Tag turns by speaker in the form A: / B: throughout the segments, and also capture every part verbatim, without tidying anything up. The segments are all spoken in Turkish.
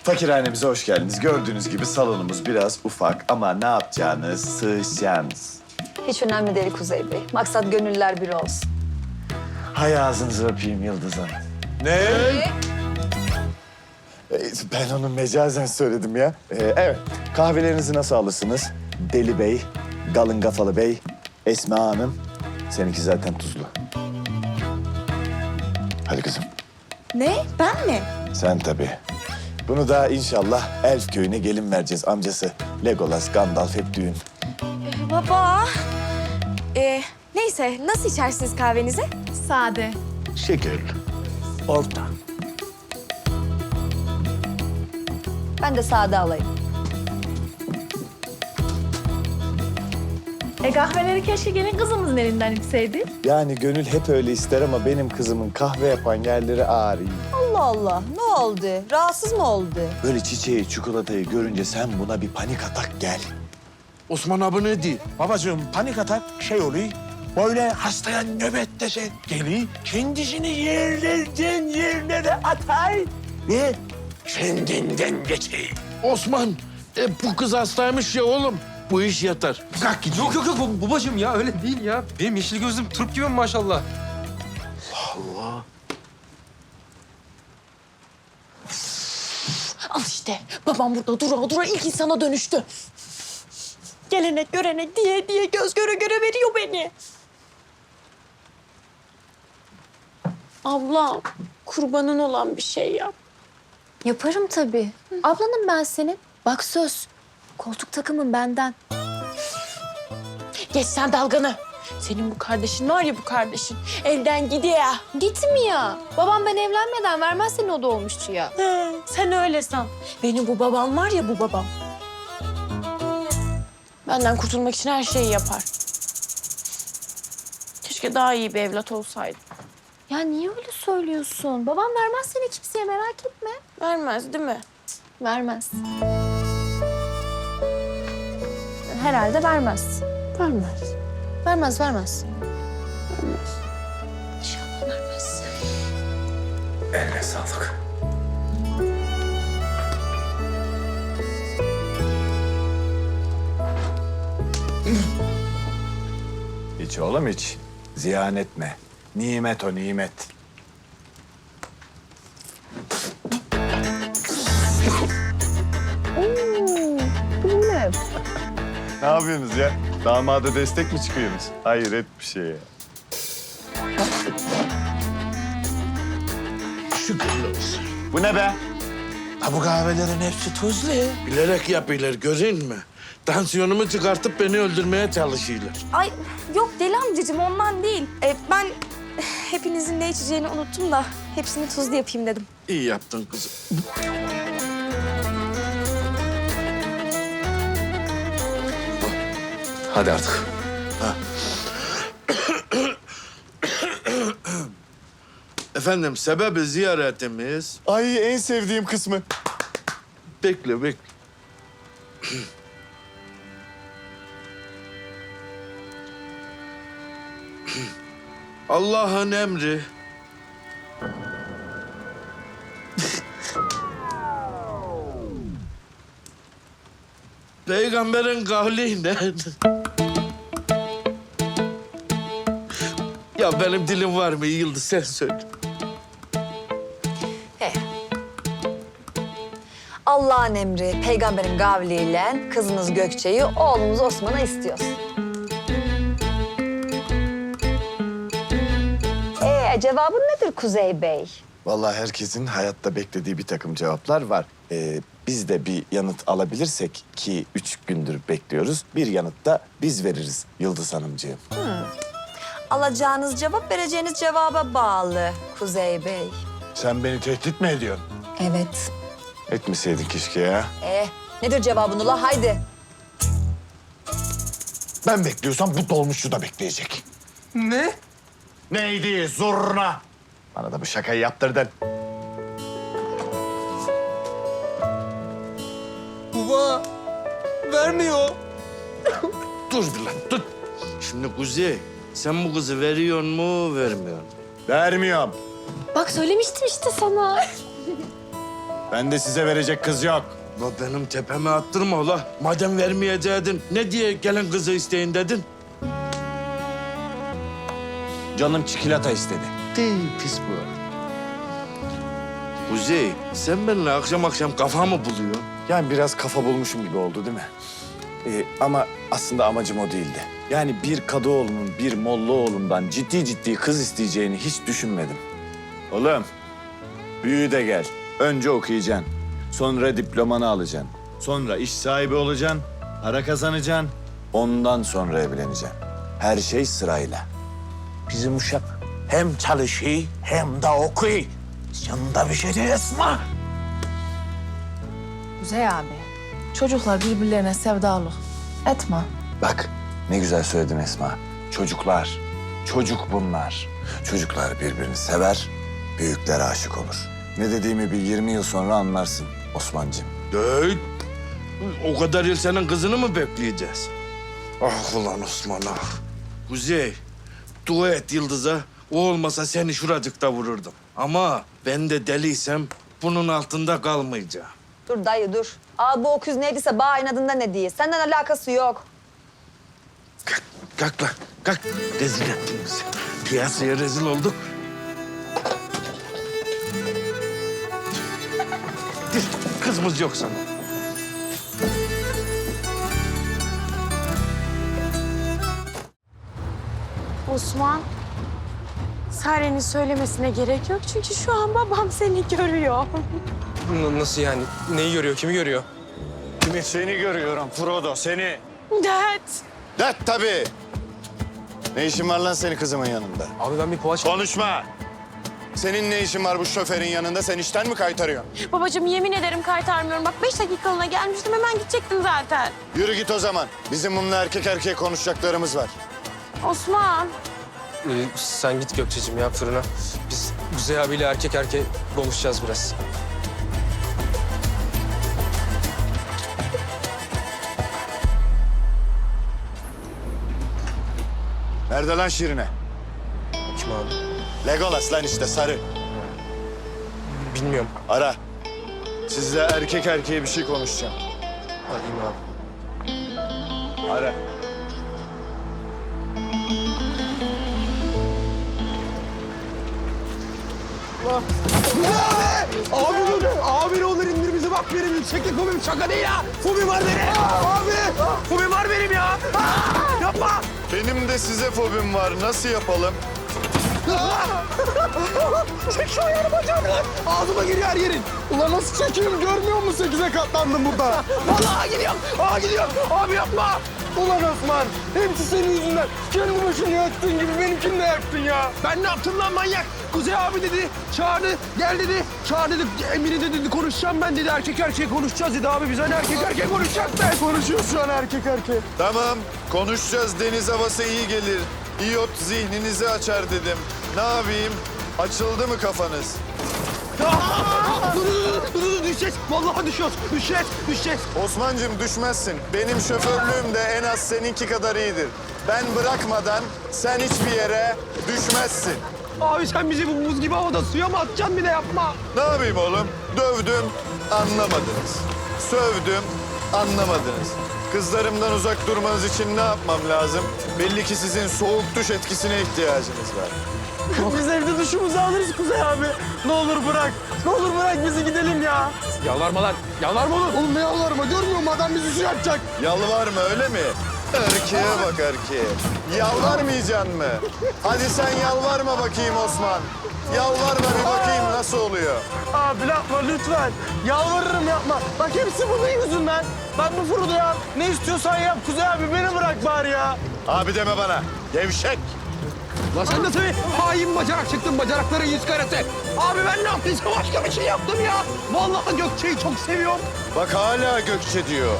A: Fakirhanemize hoş geldiniz. Gördüğünüz gibi salonumuz biraz ufak ama ne yapacağınız, sığışacağınız.
B: Hiç önemli değil Kuzey Bey. Maksat gönüller bir olsun.
A: Hay ağzınızı öpeyim Yıldız Hanım.
C: Ne?
A: Ee, Ben onu mecazen söyledim ya. Ee, evet, kahvelerinizi nasıl alırsınız? Deli Bey, Galın Kafalı Bey, Esma Hanım. Seninki zaten tuzlu. Hadi kızım.
D: Ne? Ben mi?
A: Sen tabii. Bunu da inşallah Elf köyüne gelin vereceğiz. Amcası Legolas, Gandalf hep düğün.
D: Baba. Ee, neyse, nasıl içersiniz kahvenizi?
E: Sade.
C: Şekerli. Orta.
B: Ben de sade alayım.
E: E kahveleri keşke gelin kızımızın elinden içseydi.
A: Yani gönül hep öyle ister ama benim kızımın kahve yapan yerleri ağrıyor.
B: Allah Allah. Ne oldu? Rahatsız mı oldu?
A: Böyle çiçeği, çikolatayı görünce sen buna bir panik atak gel.
C: Osman abi ne diyor?
F: Babacığım panik atak şey oluyor. Böyle hastaya nöbet dese geliyor. Kendisini yerlerden yerlere atar ve kendinden geçiyor.
C: Osman, e, bu kız hastaymış ya oğlum. Bu iş yatar.
F: Kalk gidiyor.
G: Yok yok yok bu- babacığım ya öyle değil ya. Benim yeşil gözlüm turp gibi maşallah.
D: Al işte. Babam burada dura dura ilk insana dönüştü. Gelenek görenek diye diye göz göre göre veriyor beni. Abla, kurbanın olan bir şey yap.
H: Yaparım tabii. Ablanım ben senin. Bak söz. Koltuk takımın benden.
D: Geç sen dalganı. Senin bu kardeşin var ya bu kardeşin. Elden gidiyor.
H: Gitmiyor. Babam ben evlenmeden vermez seni o doğmuşçuya.
D: He, sen öyle san. Benim bu babam var ya bu babam. Benden kurtulmak için her şeyi yapar. Keşke daha iyi bir evlat olsaydı.
H: Ya niye öyle söylüyorsun? Babam vermez seni kimseye merak etme.
D: Vermez değil mi?
H: Vermez. Herhalde vermez.
D: Vermez.
H: Vermez, vermez. İnşallah vermez.
F: Eline sağlık.
A: İç oğlum iç. Ziyan etme. Nimet o nimet. Ne yapıyorsunuz ya? Damada destek mi çıkıyorsunuz? Hayret bir şey ya.
C: Şükürler olsun.
A: Bu ne be?
F: Ha bu kahvelerin hepsi tuzlu.
C: Bilerek yapıyorlar, görün mü? Tansiyonumu çıkartıp beni öldürmeye çalışıyorlar.
D: Ay yok deli amcacığım ondan değil. Ee, ben hepinizin ne içeceğini unuttum da hepsini tuzlu yapayım dedim.
C: İyi yaptın kızım.
G: Hadi artık.
C: Efendim, sebebi ziyaretimiz...
A: Ay en sevdiğim kısmı.
C: Bekle, bekle. Allah'ın emri. Peygamberin kavliyle. Ya benim dilim var mı Yıldız, sen söyle.
B: He. Allah'ın emri, peygamberin kavliyle kızınız Gökçe'yi, oğlumuz Osman'a istiyoruz. Ee, cevabın nedir Kuzey Bey?
A: Vallahi herkesin hayatta beklediği bir takım cevaplar var. Ee, biz de bir yanıt alabilirsek ki üç gündür bekliyoruz. Bir yanıt da biz veririz Yıldız Hanımcığım.
B: Alacağınız cevap vereceğiniz cevaba bağlı Kuzey Bey.
A: Sen beni tehdit mi ediyorsun?
B: Evet.
A: Etmeseydin keşke ya.
B: Ee, nedir cevabın ula? Haydi.
F: Ben bekliyorsam bu dolmuşçu da bekleyecek.
G: Ne?
A: Neydi zurna? Bana da bu şakayı yaptırdın.
G: Baba vermiyor.
C: Dur bir lan, dur. Şimdi Kuzey, sen bu kızı veriyor mu, vermiyor mu?
A: Vermiyorum.
H: Bak söylemiştim işte sana.
A: Ben de size verecek kız yok.
C: La benim tepeme attırma la. Madem vermeyeceydin ne diye gelen kızı isteyin dedin?
A: Canım çikolata istedi.
C: Değil pis bu. Kuzey, sen benimle akşam akşam kafa mı buluyorsun?
A: Yani biraz kafa bulmuşum gibi oldu değil mi? Ee, ama aslında amacım o değildi. Yani bir Kadıoğlu'nun bir Mollaoğlu'ndan ciddi ciddi kız isteyeceğini hiç düşünmedim. Oğlum, büyü de gel. Önce okuyacaksın. Sonra diplomanı alacaksın. Sonra iş sahibi olacaksın. Para kazanacaksın. Ondan sonra evleneceksin. Her şey sırayla.
F: Bizim uşak hem çalışıyor hem de okuyor. Yanında bir şey değil Esma.
E: Kuzey abi. Çocuklar birbirlerine sevdalı. Etme.
A: Bak ne güzel söyledin Esma. Çocuklar, çocuk bunlar. Çocuklar birbirini sever, büyükler aşık olur. Ne dediğimi bir yirmi yıl sonra anlarsın Osman'cığım.
C: Değil. O kadar yıl senin kızını mı bekleyeceğiz? Ah ulan Osman ah. Kuzey, dua et Yıldız'a. O olmasa seni şuracıkta vururdum. Ama ben de deliysem bunun altında kalmayacağım.
B: Dur dayı dur. Aa bu öküz neydiyse bağ inadında ne diye. Senden alakası yok.
C: Kalk, kalk lan, kalk. Rezil ettin bizi. Piyasaya rezil olduk. Dur, kızımız yok sana.
D: Osman, Sare'nin söylemesine gerek yok çünkü şu an babam seni görüyor.
G: N- Nasıl yani? Neyi görüyor? Kimi görüyor?
A: Seni görüyorum Frodo, seni.
D: Dad.
A: Det tabii. Ne işin var lan senin kızımın yanında?
G: Abi ben bir poğaça...
A: Konuşma. Senin ne işin var bu şoförün yanında? Sen işten mi kaytarıyorsun?
D: Babacığım yemin ederim kaytarmıyorum. Bak beş dakikalığına gelmiştim hemen gidecektim zaten.
A: Yürü git o zaman. Bizim bununla erkek erkeğe konuşacaklarımız var.
D: Osman.
G: Ee, sen git Gökçe'cim ya fırına. Biz Kuzey abiyle erkek erkeğe konuşacağız biraz.
A: Nerede lan Şirine?
G: Kim abi?
A: Legolas lan işte sarı.
G: Bilmiyorum.
A: Ara. Sizle erkek erkeğe bir şey konuşacağım.
G: Arayayım abi.
A: Ara.
F: Abi dur. Abi ne olur indir bizi bak benim yükseklik fobim şaka değil ha. Fobim var benim. Abi. Fobim var benim ya. Aa, yapma.
A: Benim de size fobim var. Nasıl yapalım?
F: Çek şu ayağını bacağımdan. Ağzıma giriyor her yerin. Ulan nasıl çekeyim görmüyor musun? Sekize katlandım burada. Vallahi gidiyorum. Aa gidiyorum. Abi yapma. Ulan Osman. Hepsi senin yüzünden. Kendi başını yaktığın gibi benimkini de yaktın ya. Ben ne yaptım lan manyak? Kuzey abi dedi. Çağırdı. Gel dedi. Çağır dedi. Emine de dedi. Konuşacağım ben dedi. Erkek erkeğe konuşacağız dedi. Abi biz hani erkek erkeğe konuşacağız ben. Konuşuyoruz şu an erkek erkeğe.
A: Tamam. Konuşacağız. Deniz havası iyi gelir. İyot zihninizi açar dedim. Ne yapayım? Açıldı mı kafanız?
F: Aa! Dur, dur, dur, dur, dur, düşeceğiz. Vallahi düşüyoruz. Düşeceğiz, düşeceğiz.
A: Osman'cığım düşmezsin. Benim şoförlüğüm de en az seninki kadar iyidir. Ben bırakmadan sen hiçbir yere düşmezsin.
F: Abi sen bizi bu buz gibi havada suya mı atacaksın bir de yapma.
A: Ne yapayım oğlum? Dövdüm, anlamadınız. Sövdüm, anlamadınız. Kızlarımdan uzak durmanız için ne yapmam lazım? Belli ki sizin soğuk duş etkisine ihtiyacınız var.
F: Biz evde duşumuzu alırız Kuzey abi. Ne olur bırak. Ne olur bırak bizi gidelim ya.
G: Yalvarma lan. Yalvarma oğlum.
F: Oğlum ne yalvarma görmüyor musun? Adam bizi suya atacak.
A: Yalvarma öyle mi? Erkeğe bak erkeğe. Yalvarmayacaksın mı? Hadi sen yalvarma bakayım Osman. Yalvarma bir bakayım nasıl oluyor.
F: Abi yapma lütfen. Yalvarırım yapma. Bak hepsi bunun yüzünden. Ben bu Frodo'ya ne istiyorsan yap Kuzey abi. Beni bırak bari ya.
A: Abi deme bana. Gevşek.
F: Lan sen nasıl bir hain bacanak çıktın bacanakların yüz karası. Abi ben ne yaptıysam başka bir şey yaptım ya. Vallahi Gökçe'yi çok seviyorum.
A: Bak hala Gökçe diyor.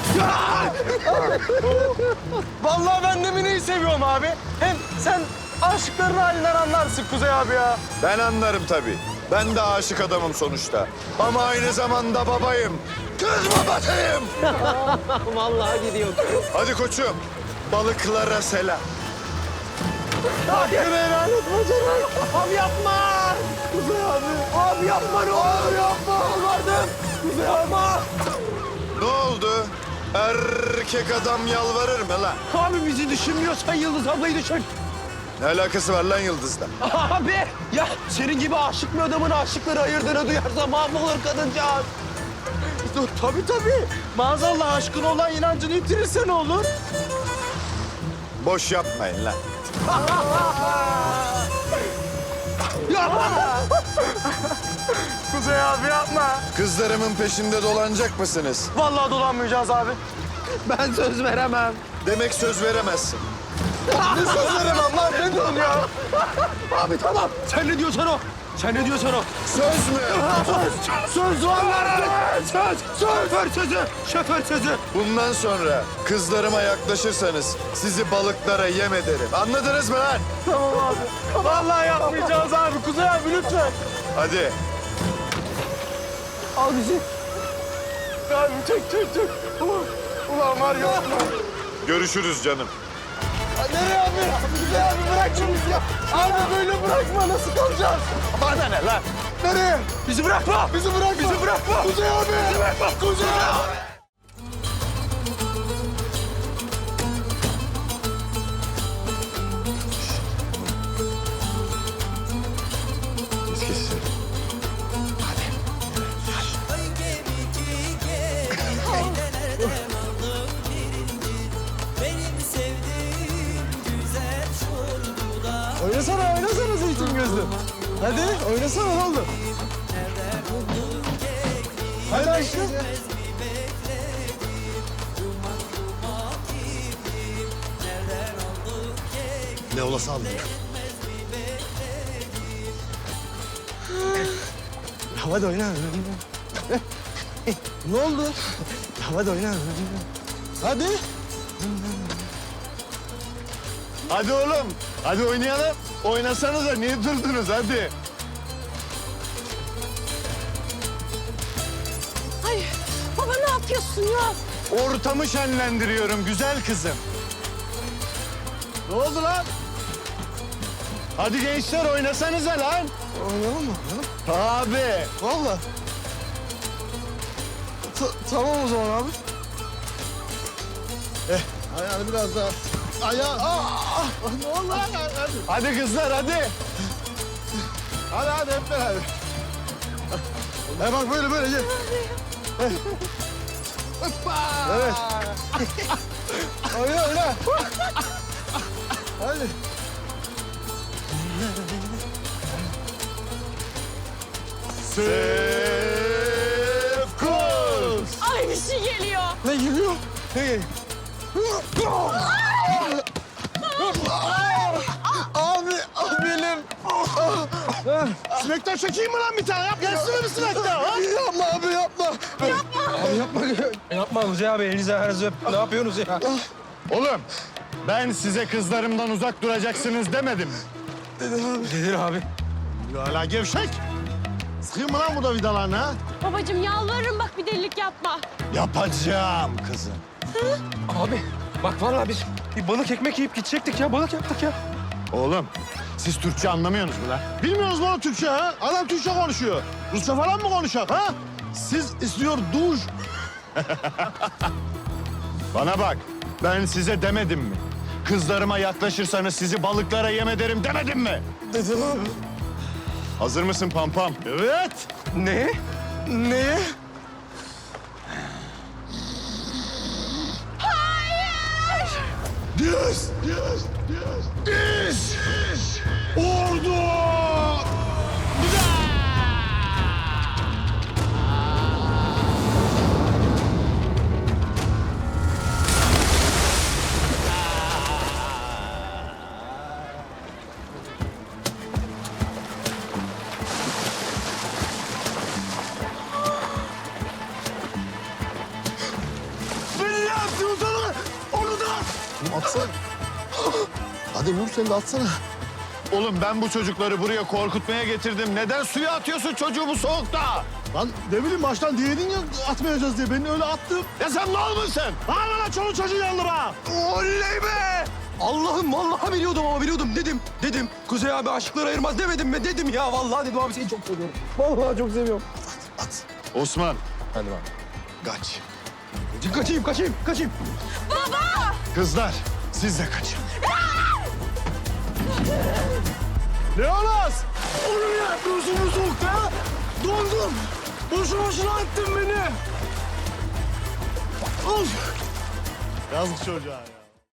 F: Vallahi ben de Mine'yi seviyorum abi. Hem sen aşıkların halinden anlarsın Kuzey abi ya.
A: Ben anlarım tabii. Ben de aşık adamım sonuçta. Ama aynı zamanda babayım. Kız babasıyım.
F: Vallahi gidiyor.
A: Hadi koçum. Balıklara selam.
F: Hakkını helal et bacanak. Abi yapma. Kuzey abi. Abi yapma ne olur yapma. Vardım. Kuzey yapma.
A: Ne oldu? Erkek adam yalvarır mı lan?
F: Abi bizi düşünmüyorsan Yıldız ablayı düşün.
A: Ne alakası var lan Yıldız'la?
F: Abi ya senin gibi aşık bir adamın aşıkları ayırdığını duyarsa mahvolur kadıncağız. Tabii tabii. Maazallah aşkın olan inancını yitirirse ne olur?
A: Boş yapmayın lan.
F: Yapma. Kuzey abi yapma.
A: Kızlarımın peşinde dolanacak mısınız?
F: Vallahi dolanmayacağız abi. Ben söz veremem.
A: Demek söz veremezsin.
F: Ne söz veremem lan ne diyorsun ya? Abi tamam. Sen ne diyorsan o. Sen ne diyorsan o.
A: Söz mü?
F: Söz. Söz var. Söz. Şoför sözü. Şoför sözü.
A: Bundan sonra kızlarıma yaklaşırsanız sizi balıklara yem ederim. Anladınız mı lan?
F: Tamam abi. Vallahi yapmayacağız abi. Kuzey abi lütfen.
A: Hadi.
F: Al bizi. Abi çek çek çek. Ulan, ulan var ya.
A: Görüşürüz canım.
F: Nereye abi? Kuzey abi bırak şunu bizi ya. Abi böyle bırakma nasıl kalacağız? Bana ne lan? Nereye? Bizi bırakma. Bizi bırakma. Bizi bırakma. Kuzey abi. Bizi bırakma. Kuzey abi. Oynasana, oynasana zeytin gözlü. Hadi, oynasana ne oldu? Hadi aşkım. Ne olası aldın ya? Hadi oyna. Ne oldu? Hadi oyna. Hadi.
A: Hadi oğlum. Hadi oynayalım. Oynasanıza. Niye durdunuz? Hadi.
D: Ay baba ne yapıyorsun ya?
A: Ortamı şenlendiriyorum güzel kızım.
F: Ne oldu lan?
A: Hadi gençler oynasanıza lan.
F: Oynayalım mı?
A: Abi.
F: Vallahi. Ta- tamam o zaman abi. Eh, ayağını biraz daha. Ayağı. Aa, ne oldu lan? Hadi.
A: Hadi kızlar hadi.
F: Hadi hadi hep beraber. E bak böyle böyle gel. Evet. Oyna oyna. Hadi.
A: Sefkuz.
D: Ay bir şey geliyor.
F: Ne geliyor? Ne geliyor? Abi, abi benim. Sinekten çekeyim mi lan bir tane? Yap, gelsene bir sinekten. Yapma abi, yapma. Abi yapma.
G: Yapma Kuzey abi elinize ayağınızı öp. Ne yapıyorsunuz ya?
A: Oğlum ben size kızlarımdan uzak duracaksınız demedim.
G: Nedir abi?
F: Hala gevşek. Sıkayım mı lan bu da vidalarını ha?
D: Babacığım yalvarırım bak bir delilik yapma.
A: Yapacağım kızım.
G: Abi bak vallahi biz bir balık ekmek yiyip gidecektik ya. Balık yaptık ya.
A: Oğlum siz Türkçe anlamıyorsunuz mu lan?
F: Bilmiyoruz mu oğlum Türkçe ha? Adam Türkçe konuşuyor. Rusça falan mı konuşacak ha? Siz istiyor duş.
A: Bana bak ben size demedim mi? Kızlarıma yaklaşırsanız sizi balıklara yem ederim demedim mi?
F: Dedim abi.
A: Hazır mısın Pampam?
F: Evet.
G: Ne?
F: Neye? Yes, yes, yes. This is ordu. Beni ne yaptınız onu? Onu da at. Atsana. Hadi Nur sen de atsana.
A: Oğlum ben bu çocukları buraya korkutmaya getirdim. Neden suya atıyorsun çocuğu bu soğukta?
F: Lan ne bileyim baştan diyedin ya atmayacağız diye. Ben öyle attım.
A: Ya sen mal mısın?
F: Hala lan çoluk çocuğu yandı bana.
A: Oley be!
F: Allah'ım vallahi biliyordum ama biliyordum dedim. Dedim Kuzey abi aşıkları ayırmaz demedim mi? Dedim ya vallahi dedim abi seni çok seviyorum. Vallahi çok seviyorum.
A: At. Osman.
G: Hadi bak.
A: Kaç.
F: Kaçayım kaçayım kaçayım.
A: Kızlar siz de kaçın.
F: Leonas! Oğlum ya yapıyorsun bu soğukta ya? Dondum. Boşu boşuna attın beni. Of!
A: Yazık çocuğa ya.